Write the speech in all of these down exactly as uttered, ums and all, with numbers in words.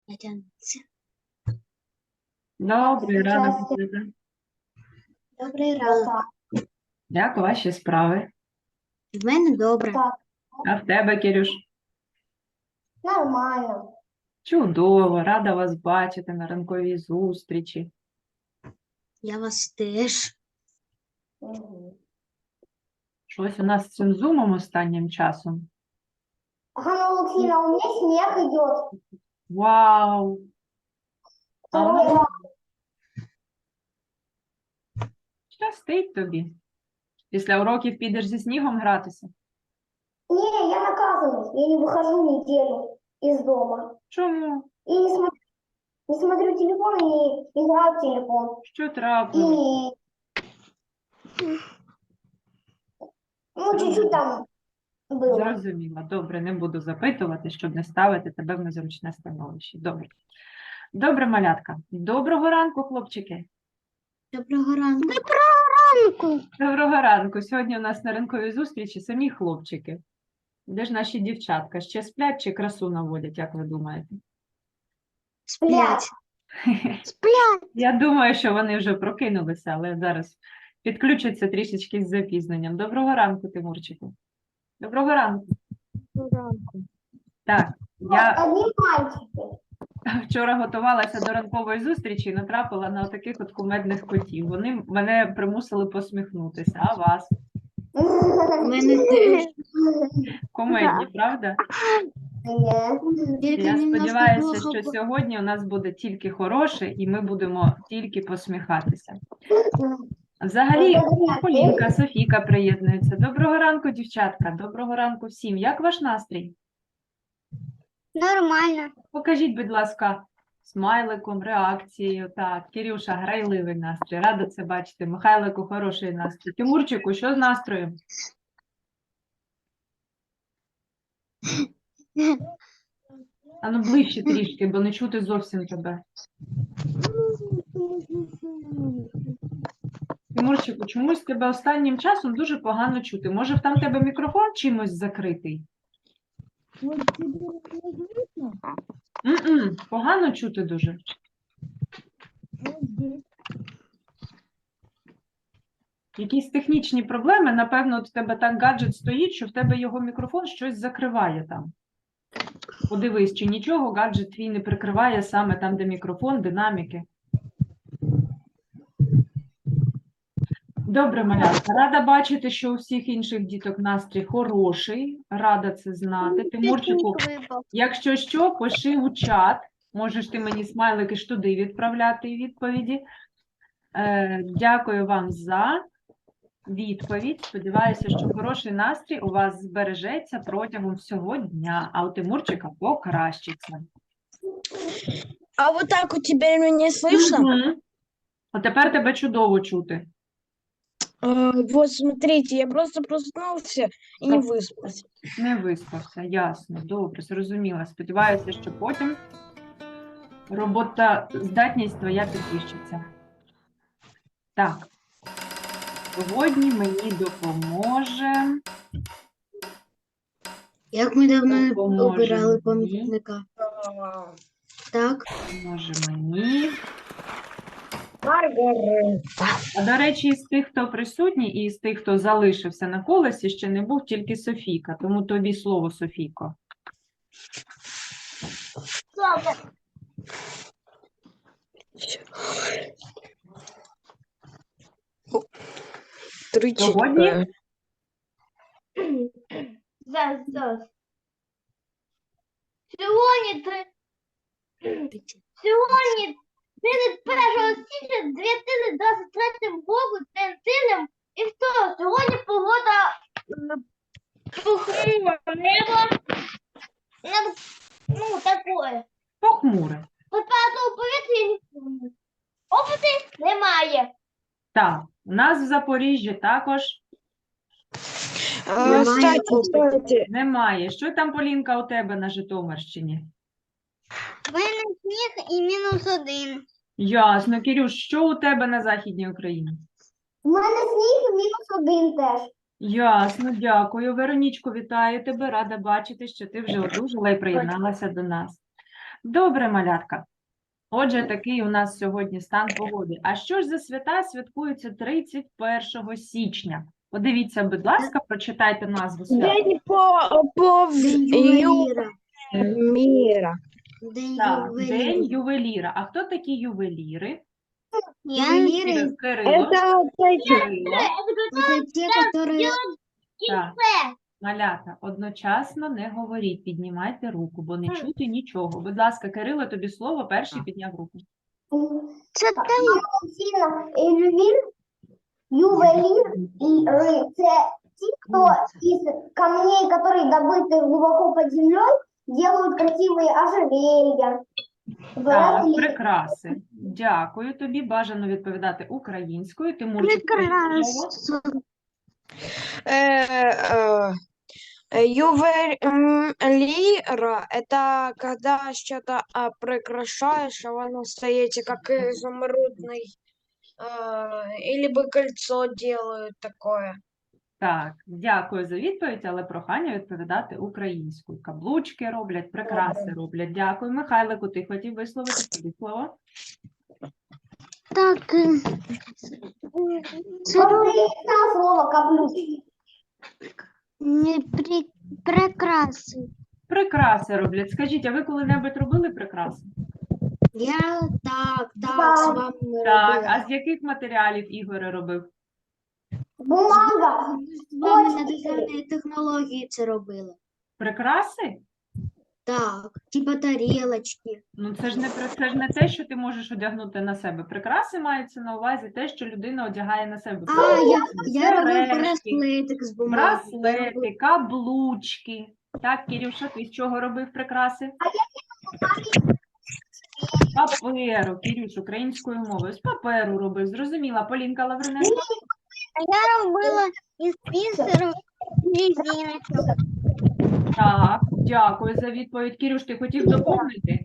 Натягнеться. Добрий Щастя. ранок, Ліза. Добрий ранок. Як ваші справи? В мене добре. Так, А в тебе, Кирюш? нормально. Чудово, рада вас бачити на ранковій зустрічі. Я вас теж. Мгм. Щось у нас з цим зумом останнім часом. Ганна Алексеевна, у меня снег идет. Вау! А Второй ну, раз. щастить тобі. Після уроків підеш зі снігом гратися? Не, я наказываюсь. Я не выхожу неделю из дома. Чому? И не смотрю, не смотрю телефон и не играю в телефон. Що И, трапилось? ну, чуть-чуть там было. Зрозуміла. Добре, не буду запитувати, щоб не ставити тебе в незручне становище. Добре. Добре, малятка. Доброго ранку, хлопчики. Доброго ранку. Доброго ранку. Сьогодні у нас на ранковій зустрічі самі хлопчики. Де ж наші дівчатка? Ще сплять чи красу наводять, як ви думаєте? Сплять. Я думаю, що вони вже прокинулися, але зараз підключаться трішечки з запізненням. Доброго ранку, Тимурчику. Доброго ранку. Так, я Одни мальчики. вчора готувалася до ранкової зустрічі і натрапила на таких от кумедних котів. Вони мене примусили посміхнутися. А вас? У мене теж. Кумедні, правда? Нет. Тільки Я немножко сподіваюся, плохо що бо- сьогодні у нас буде тільки хороше, і ми будемо тільки посміхатися. Взагалі, Полінка, Софійка приєднуються. Доброго ранку, дівчатка. Доброго ранку всім. Як ваш настрій? Нормально. Покажіть, будь ласка, смайликом, реакцією. Так, Кирюша, грайливий настрій. Рада це бачити. Михайлику, хороший настрій. Тимурчику, що з настроєм? А ну ближче трішки, бо не чути зовсім тебе. Тимурчику, чомусь тебе останнім часом дуже погано чути. Може, там тебе мікрофон чимось закритий? М-м, погано чути дуже. Якісь технічні проблеми, напевно, от в тебе так гаджет стоїть, що в тебе його мікрофон щось закриває там. Подивись, чи нічого гаджет твій не прикриває саме там, де мікрофон, динаміки. Добре, малятка. Рада бачити, що у всіх інших діток настрій хороший. Рада це знати. Тимурчику, якщо що, пиши у чат. Можеш ти мені смайлики ж туди відправляти і відповіді. Е, дякую вам за відповідь. Сподіваюся, що хороший настрій у вас збережеться протягом всього дня, а у Тимурчика покращиться. А вот так вот теперь меня слышно? Мгм. А тепер тебе чудово чути. А, вот смотрите, я просто проснулся и не Так. выспался. Не виспався, ясно, добре, зрозуміла. Сподіваюся, що потім роботоздатність твоя підвищиться. Так, сьогодні мені допоможе, Як ми давно не Допоможе обирали мені. помічника. Так. допоможе мені. Маргарита. А до речі, із тих, хто присутній, і з тих, хто залишився на колесі, ще не був тільки Софійка, тому тобі слово, Софійко. Три Сьогодні? четыре. Зараз, зараз. Сьогодні три. Сьогодні тридцять першого січня дві тисячі двадцять третього року день тижня і хто? Сьогодні погода е, похмура, небо, небо, ну, такое. Похмуре. Температура повітря не опити немає. Так, у нас в Запоріжжі також А, Немає кстати, опыта. кстати, немає. Що там, Полінка, у тебе на Житомирщині? В мене сніг і мінус один. Ясно. Кирюш, що у тебе на Західній Україні? У мене сніг мінус один теж. Ясно, дякую. Веронічко, вітаю тебе. Рада бачити, що ти вже одужала і приєдналася до нас. Добре, малятка. Отже, такий у нас сьогодні стан погоди. А що ж за свята святкуються тридцять першого січня? Подивіться, будь ласка, прочитайте назву свята. День по, по Ювеліра. мира. День Так, День ювеліра. ювеліра. А хто такі ювеліри? Ювелиры Кирило. Это эти. Кирило. это те, которые... Так. Малята, одночасно не говоріть, піднімайте руку, бо не чути нічого. Будь ласка, Кирило, тобі слово, перший підняв руку. Це Ювелір, ювелір і ри – це ті, хто із камней, які добыты глубоко под землей, делают красивые ожерелья. Так, браслеты. прикраси. Дякую тобі. Бажано відповідати українською. Тимурчик, тобі слово. Э, э, Ювелира – это когда что-то а, прикрашаешь, а оно стоите как изумрудный, э, или бы кольцо делают такое. Так, дякую за відповідь, але прохання відповідати українською. Каблучки роблять, прикраси роблять. Дякую. Михайлику, ти хотів висловити тобі слово? Так, е, це Говорится слово каблук. не при... прикраси. Прикраси роблять. Скажіть, а ви коли-небудь робили прикраси? Я так, Так. так, з вами Так, а з яких матеріалів Ігор робив? Бумага. з вами на дизайнерні технології це робили. Прикраси? Так, типа тарілочки. Ну, це ж не при- це ж не те, що ти можеш одягнути на себе. Прикраси мається на увазі те, що людина одягає на себе. А, я, я робив Сережки, браслетик з бумаги. браслети, каблучки. Так, Кирюша, ти з чого робив прикраси? З паперу, Кирюш, українською мовою. З паперу робив, зрозуміла. Полінка Лавриненко? Я робила із бісеру резиночок. Так, дякую за відповідь. Кирюш, ти хотів доповнити?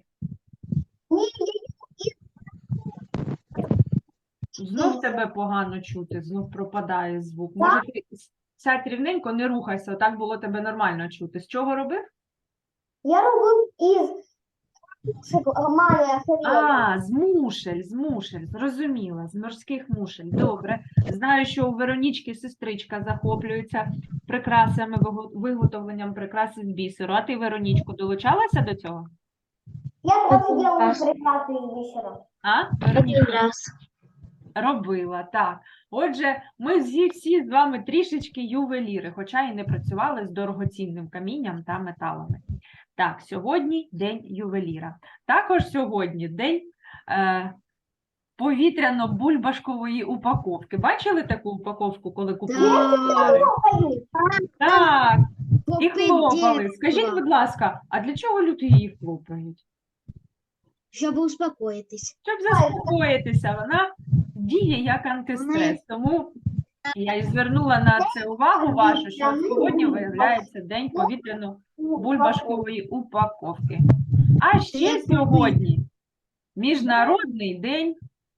Знов тебе погано чути, знов пропадає звук. Може, ти сядь рівненько, не рухайся, отак було тебе нормально чути. З чого робив? Я робив із мамі ожерелья. А, з мушель, з мушель, зрозуміла, з морських мушель. Добре. Знаю, що у Веронічки сестричка захоплюється прикрасами, виго- виготовленням прикраси з бісеру. А ти, Веронічко, долучалася до цього? Я тоже делаю прекрасные из бисера. А? Веронічка? Робила, так. Отже, ми всі, всі з вами трішечки ювеліри, хоча і не працювали з дорогоцінним камінням та металами. Так, сьогодні день ювеліра. Також сьогодні день е, повітряно-бульбашкової упаковки. Бачили таку упаковку, коли купували? Так, і хлопали. Скажіть, будь ласка, а для чого люди її хлопають? Щоб успокоїтись. Щоб заспокоїтися, вона діє як антистрес. Тому я і звернула на це увагу вашу, що сьогодні виявляється день повітряно-бульбашкової упаковки. А ще сьогодні Міжнародний день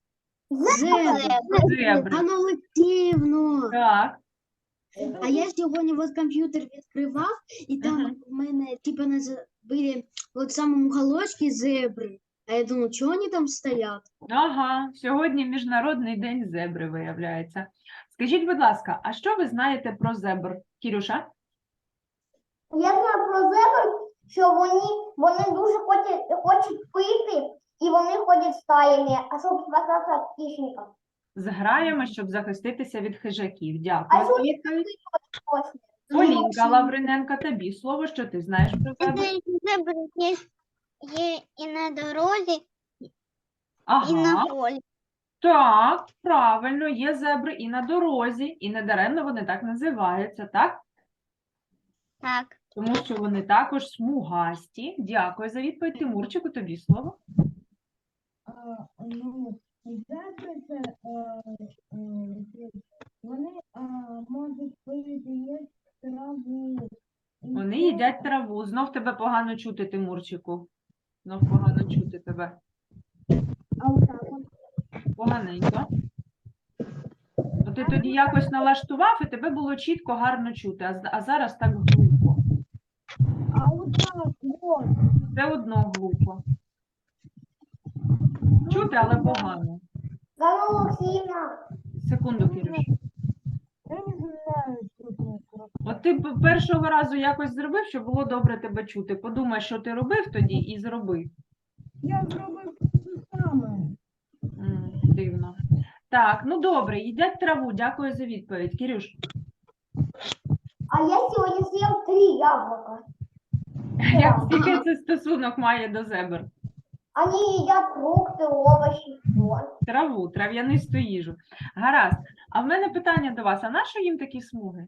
зебри. Аналогічно. Так, А я сьогодні от комп'ютер відкривав, і там Мгм. в мене типа наз- були от в самому уголочці зебри. А я думаю, чого вони там стоять? ага, сьогодні Міжнародний день зебри виявляється. Скажіть, будь ласка, а що ви знаєте про зебр? Кірюша? Я знаю про зебр, що вони, вони дуже хочуть, хочуть пити, і вони ходять стаями, а щоб спасатися від хищників. З граями, щоб захиститися від хижаків. А Дякую. за сьогодні відповідь. точно. Полінка Лавриненко, тобі слово, що ти знаєш про зебр? Зебри є, є і на дорозі, і на Ага, полі. так, правильно, є зебри і на дорозі, і недаремно вони так називаються, так? Так. Тому що вони також смугасті. Дякую за відповідь. Тимурчику, тобі слово. Ну, зебри це вони можуть пити їсти траву. І Вони це- їдять траву. Знов тебе погано чути, Тимурчику. Знов погано чути тебе. А отак от. Поганенько. Ну, ти тоді якось налаштував, і тебе було чітко, гарно чути, а, з- а зараз так глухо. А отак, от. Все одно глухо. чути, але погано. Ганна Олексіївна, Секунду, Кирюш. Я не знаю, що це. От ти б першого разу якось зробив, щоб було добре тебе чути. Подумай, що ти робив тоді, і зроби. Я зробив те саме. М, Дивно. Так, ну добре, їдять траву. Дякую за відповідь. Кирюш, а я сьогодні з'їв три яблука. як який це стосунок має до зебр? Они едят фрукты, овощи, все. Траву, трав'янисту їжу. Гаразд. А в мене питання до вас. А на що їм такі смуги?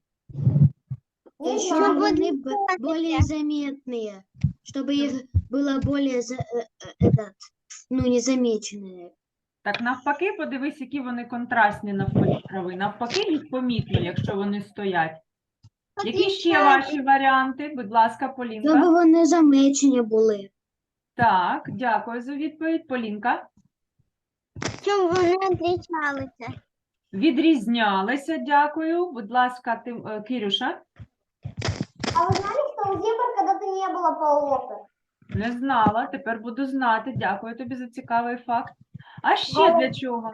Не Чтобы знаю. они б- более заметные, чтобы их было более за- э, э, этот, ну, незамеченные. Так навпаки, подивись, які вони контрастні навколо трави. Навпаки, їх помітно, якщо вони стоять. Які ще ваші варіанти? Будь ласка, Полінка. Щоб вони замечені були. Так, дякую за відповідь. Полінка. Щоб вони відрізнялися. Відрізнялися, дякую. Будь ласка, ти, е, Кирюша. А вы знали, что у зебр когда-то не было полосок? Не знала, тепер буду знати. Дякую тобі за цікавий факт. А ще для чого?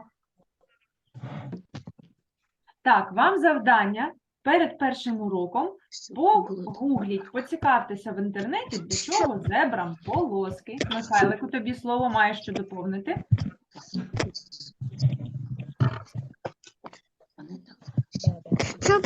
Так, вам завдання перед першим уроком погугліть, поцікавтеся в інтернеті, для чого зебрам полоски. Михайлику, тобі слово, маєш що доповнити. Щоб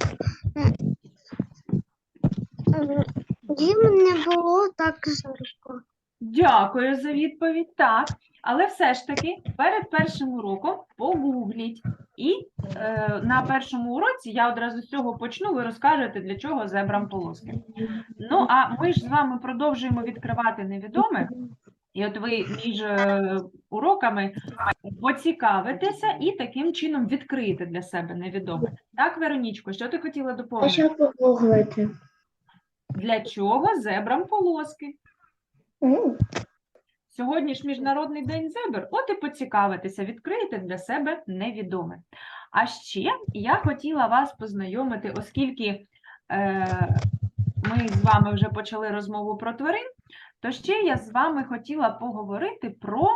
їм не було так жарко. Дякую за відповідь. Так, але все ж таки перед першим уроком погугліть. І е, на першому уроці я одразу з цього почну, ви розкажете, для чого зебрам полоски. Ну, а ми ж з вами продовжуємо відкривати невідоме. І от ви між е, уроками поцікавитеся і таким чином відкриєте для себе невідоме. Так, Веронічко, що ти хотіла доповнити? погуглити? Для чого зебрам полоски? Сьогодні ж Міжнародний день зебр, от і поцікавитеся, відкриєте для себе невідоме. А ще я хотіла вас познайомити, оскільки е, ми з вами вже почали розмову про тварин, то ще я з вами хотіла поговорити про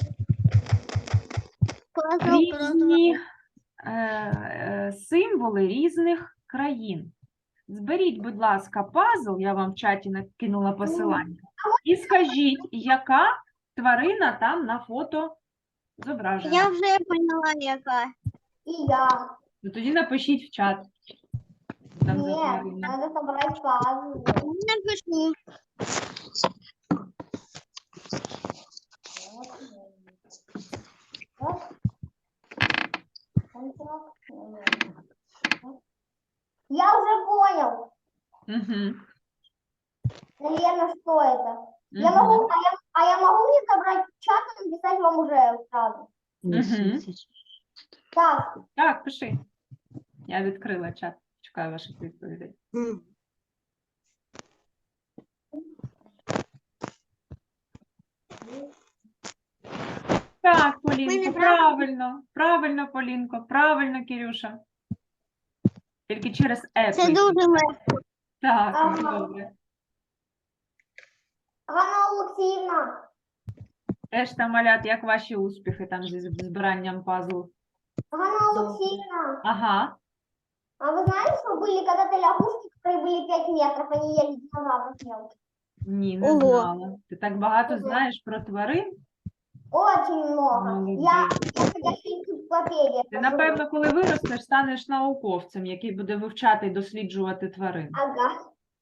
різні е, е, символи різних країн. Зберіть, будь ласка, пазл, я вам в чаті накинула посилання, і скажіть, яка тварина там на фото зображена. Я вже поняла, яка. І я. Ну, тоді напишіть в чат. Там за Ні, тварина. треба собрати пазл. Напишу. Я уже понял, Угу. наверное, что это. Я могу, а я, а я могу не собрать чат и написать вам уже сразу. Угу. Так, Так, пиши. Я відкрила чат. Чекаю ваших відповідей. М. Так, Ми Полінко, не правильно. Правильно, Полінко, правильно, Кирюша. Тільки через е. це пишіть. дуже легко. Так, Ага. добре. Ганна Олексіївна, Теж там, малят, як ваші успіхи там зі збиранням пазлу? Ганна Олексіївна, Ага. а вы знали, что были когда-то лягушки, которые были пять метров, они ели динозавров мелких? Ні, не Ого. знала. Ти так багато Ого. знаєш про тварин? Очень много. Молодец. Я, я ходячая энциклопедия. Ти, напевно, коли виростеш, станеш науковцем, який буде вивчати і досліджувати тварин. Ага.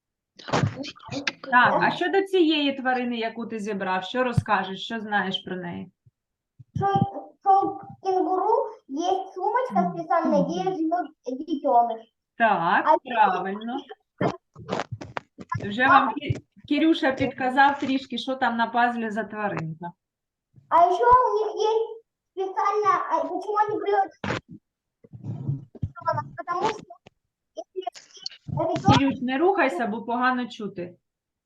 Так, а щодо цієї тварини, яку ти зібрав, що розкажеш, що знаєш про неї? Что, что у кенгуру есть сумочка специальная, где живет детеныш. Так, А правильно. Вже вам Кі- Кирюша підказав трішки, що там на пазлі за тваринка. А еще у них есть специально, а почему они брют? Потому что если ребенок, Кирюш, не рухайся, бо погано чути.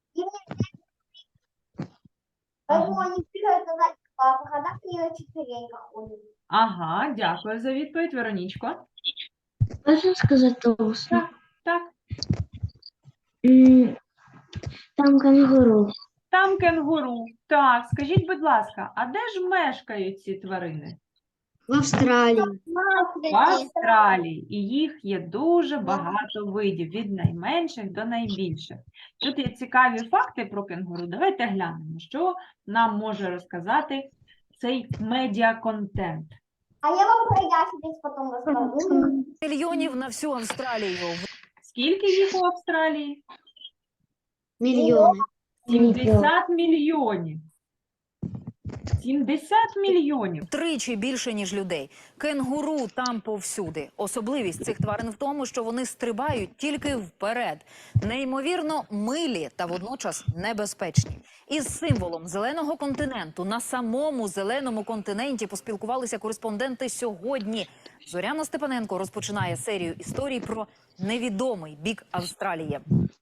поэтому они прыгают на задних лапах, а так они на четвереньках ходят. Ага, дякую за відповідь, Веронічко. Можна сказати усно? Так, М, Там кенгуру. Там кенгуру. Так, скажіть, будь ласка, а де ж мешкають ці тварини? В Австралії. В Австралії. І їх є дуже багато видів, від найменших до найбільших. Тут є цікаві факти про кенгуру. Давайте глянемо, що нам може розказати цей медіаконтент. А я вам про ящериць потім розкажу. Мільйонів на всю Австралію. Скільки їх у Австралії? Мільйони. сімдесят мільйонів. сімдесят мільйонів. Тричі більше, ніж людей. Кенгуру там повсюди. Особливість цих тварин в тому, що вони стрибають тільки вперед. Неймовірно милі та водночас небезпечні. Із символом зеленого континенту на самому зеленому континенті поспілкувалися кореспонденти сьогодні. Зоряна Степаненко розпочинає серію історій про невідомий бік Австралії.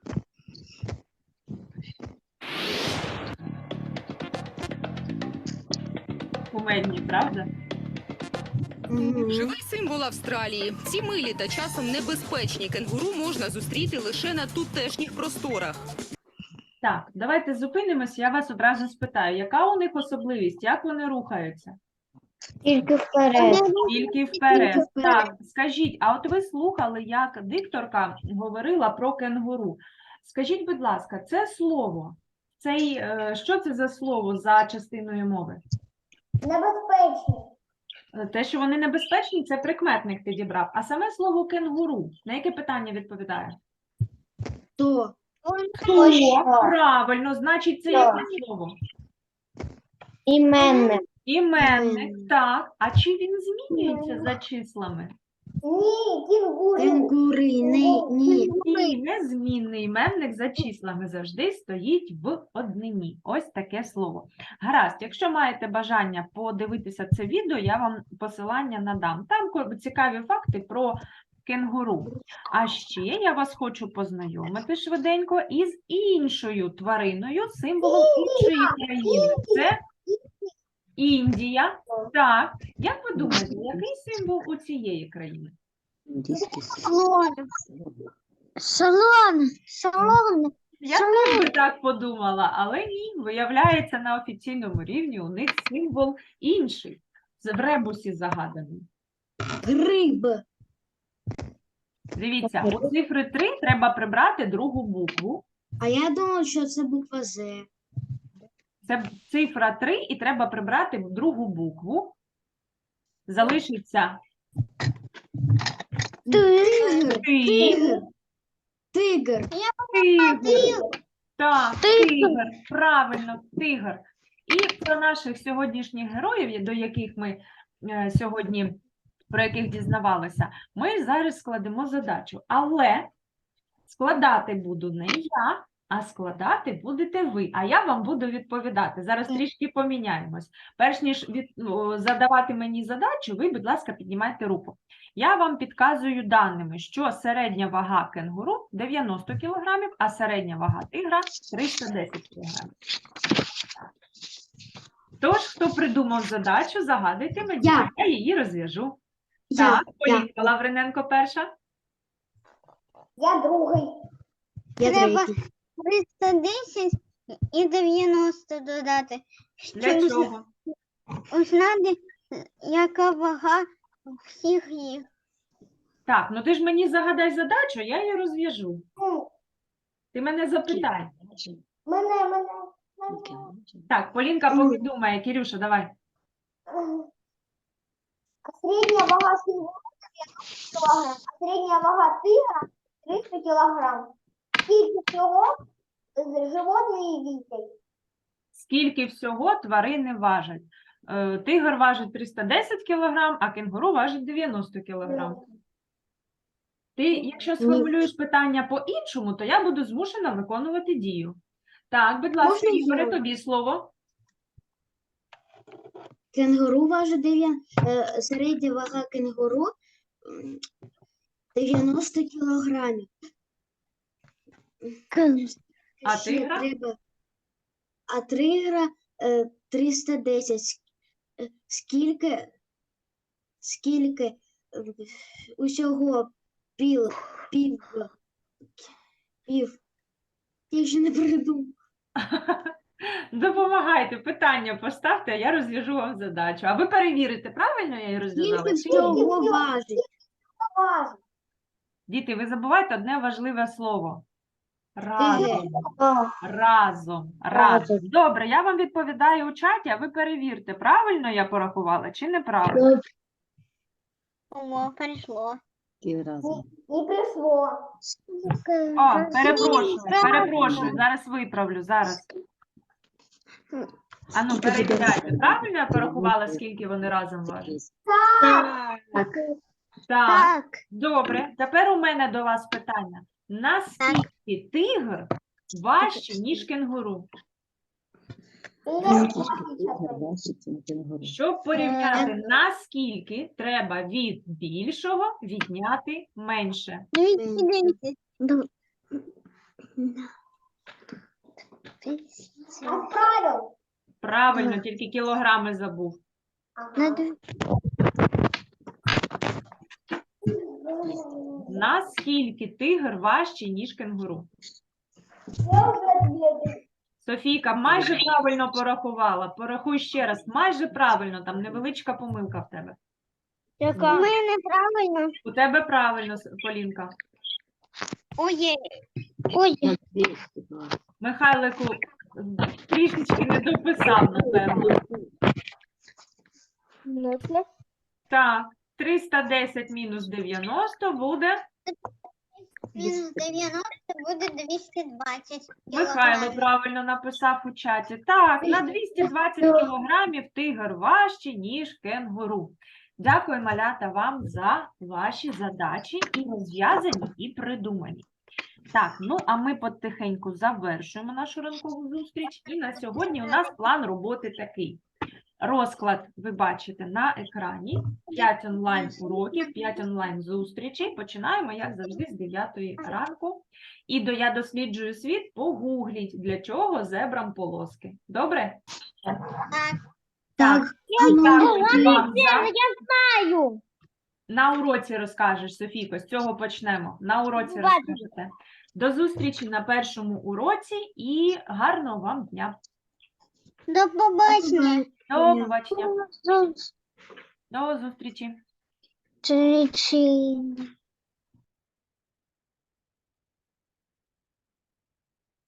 Кумедні, правда? Мгм. Живий символ Австралії. Ці милі та часом небезпечні кенгуру можна зустріти лише на тутешніх просторах. Так, давайте зупинимось, я вас одразу спитаю, яка у них особливість, як вони рухаються? Тільки вперед. Тільки вперед. вперед. Так, скажіть, а от ви слухали, як дикторка говорила про кенгуру. Скажіть, будь ласка, це слово, цей, е, що це за слово за частиною мови? Небезпечні. Е, Те, що вони небезпечні, це прикметник підібрав. А саме слово кенгуру, на яке питання відповідає? То. Хто? Правильно, значить, це яке слово? Іменник. Іменник, так. А чи він змінюється за числами? Ні, кінгуру. Кенгури. Ні. Ні. Ні, незмінний іменник за числами завжди стоїть в однині. Ось таке слово. Гаразд, якщо маєте бажання подивитися це відео, я вам посилання надам. Там ко- цікаві факти про кенгуру. А ще я вас хочу познайомити швиденько із іншою твариною, символом іншої країни. Це Індія. Так, як ви думаєте, який символ у цієї країни? Слон. Слон. Слон. Я теж би так подумала, але ні, виявляється, на офіційному рівні у них символ інший, в ребусі загаданий. Гриб. Дивіться, у цифри три треба прибрати другу букву. А я думала, що це буква З. Це цифра три і треба прибрати другу букву. Залишиться Тигр. ти, Тигр. Тигр. тигр. Так, тигр. Правильно, тигр. І про наших сьогоднішніх героїв, до яких ми е, сьогодні, про яких дізнавалися, ми зараз складемо задачу. Але складати буду не я, а складати будете ви, а я вам буду відповідати. Зараз трішки поміняємось. Перш ніж від, ну, задавати мені задачу, ви, будь ласка, піднімайте руку. Я вам підказую даними, що середня вага кенгуру дев'яносто кілограмів, а середня вага тигра триста десять кілограмів. Тож, хто придумав задачу, загадуйте мені, Я. я її розв'яжу. Я. Так, Я. Полінка Лавриненко перша. Я другий. Я Треба третій. триста десять і дев'яносто додати. Для чого? Узнати, яка вага всіх їх. Так, ну ти ж мені загадай задачу, я її розв'яжу. Ти мене запитай. Мене, мене. Так, Полінка поки думає. Кирюша, давай. Средняя вага кенгуру дев'яносто кілограм, а средняя вага тигра триста кілограм. Скільки всього з животної вісять? Скільки всього тварини важать? Е, Тигр важить триста десять кілограм, а кенгуру важить дев'яносто кілограм. Ти, якщо сформулюєш питання по-іншому, то я буду змушена виконувати дію. Так, будь ласка, Можна Ігоре, знову? тобі слово. Кенгуру важить дев'я... е, середня вага кенгуру м, дев'яносто кілограмів. А Ще тигра? треба... А тигра е, триста десять. Ск- е, Скільки, скільки е, усього пів, пів, пів, я ще не придумав. Допомагайте, питання поставте, а я розв'яжу вам задачу. А ви перевірите, правильно я її розв'язала? Скільки чи ні? всього важить? Діти, ви забуваєте одне важливе слово. Разом. Разом. Разом. Добре, я вам відповідаю у чаті, а ви перевірте, правильно я порахувала чи неправильно. О, прийшло. Не пришло. О, перепрошую, перепрошую, зараз виправлю, зараз. Ану, перевіряйте, правильно я порахувала, скільки вони разом важать? Так. Так, добре. Тепер у мене до вас питання. Наскільки тигр важче, ніж кенгуру? Щоб порівняти, наскільки треба від більшого відняти менше. Правильно, тільки кілограми забув. Наскільки тигр важче, ніж кенгуру? Софійка, майже правильно порахувала. Порахуй ще раз. Майже правильно, там невеличка помилка в тебе. Яка? У мене правильно. У тебе правильно, С- Полінка. Ой. Ой. Михайлику трішечки не дописав, напевно. Так, триста десять мінус дев'яносто буде. Мінус дев'яносто буде двісті двадцять. Михайло правильно написав у чаті. Так, на двісті двадцять кілограмів тигр важче, ніж кенгуру. Дякую, малята, вам за ваші задачі і розв'язані, і придумані. Так, ну а ми потихеньку завершуємо нашу ранкову зустріч. І на сьогодні у нас план роботи такий. Розклад ви бачите на екрані. п'ять онлайн-уроків, п'ять онлайн-зустрічей. Починаємо, як завжди, з дев'ятої ранку. І до «Я досліджую світ» погугліть, для чого зебрам полоски. Добре? Так. Дякую вам за... Знаю. На уроці розкажеш, Софійко, з цього почнемо. На уроці розкажете. До зустрічі на першому уроці і гарного вам дня. До побачення. До побачення. До зустрічі. Зустрічі.